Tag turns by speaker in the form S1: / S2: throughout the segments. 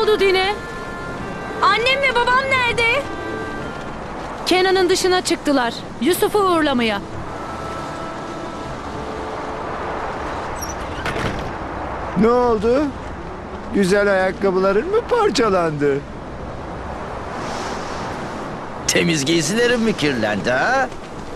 S1: oldu Dine?
S2: Annem ve babam nerede?
S1: Kenan'ın dışına çıktılar. Yusuf'u uğurlamaya.
S3: Ne oldu? Güzel ayakkabıların mı parçalandı?
S4: Temiz giysilerim mi kirlendi ha?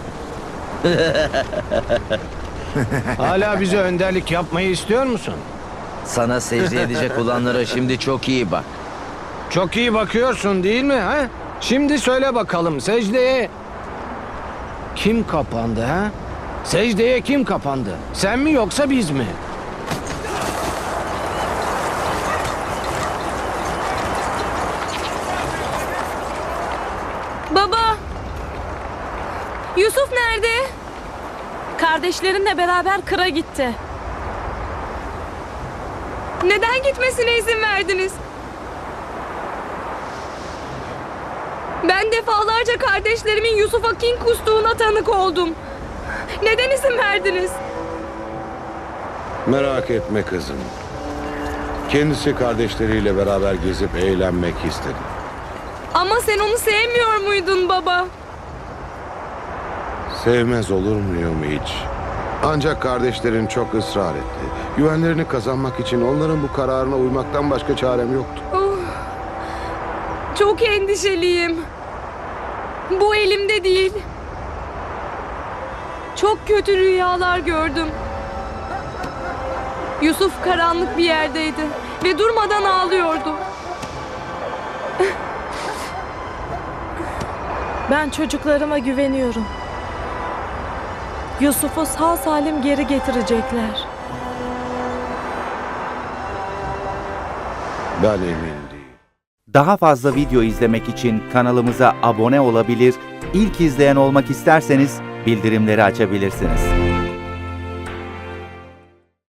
S5: Hala bize önderlik yapmayı istiyor musun?
S4: Sana secde edecek olanlara şimdi çok iyi bak.
S5: Çok iyi bakıyorsun değil mi ha? Şimdi söyle bakalım secdeye kim kapandı ha? Secdeye kim kapandı? Sen mi yoksa biz mi?
S2: Baba! Yusuf nerede?
S1: Kardeşlerinle beraber kıra gitti.
S2: Neden gitmesine izin verdiniz? Ben defalarca kardeşlerimin Yusuf'a kin kustuğuna tanık oldum. Neden izin verdiniz?
S6: Merak etme kızım. Kendisi kardeşleriyle beraber gezip eğlenmek istedi.
S2: Ama sen onu sevmiyor muydun baba?
S6: Sevmez olur muyum hiç? Ancak kardeşlerin çok ısrar etti. Güvenlerini kazanmak için onların bu kararına uymaktan başka çarem yoktu.
S2: Oh, çok endişeliyim. Bu elimde değil. Çok kötü rüyalar gördüm. Yusuf karanlık bir yerdeydi ve durmadan ağlıyordu.
S1: Ben çocuklarıma güveniyorum. Yusuf'u sağ salim geri getirecekler.
S6: Ben emin değilim.
S7: Daha fazla video izlemek için kanalımıza abone olabilir, ilk izleyen olmak isterseniz bildirimleri açabilirsiniz.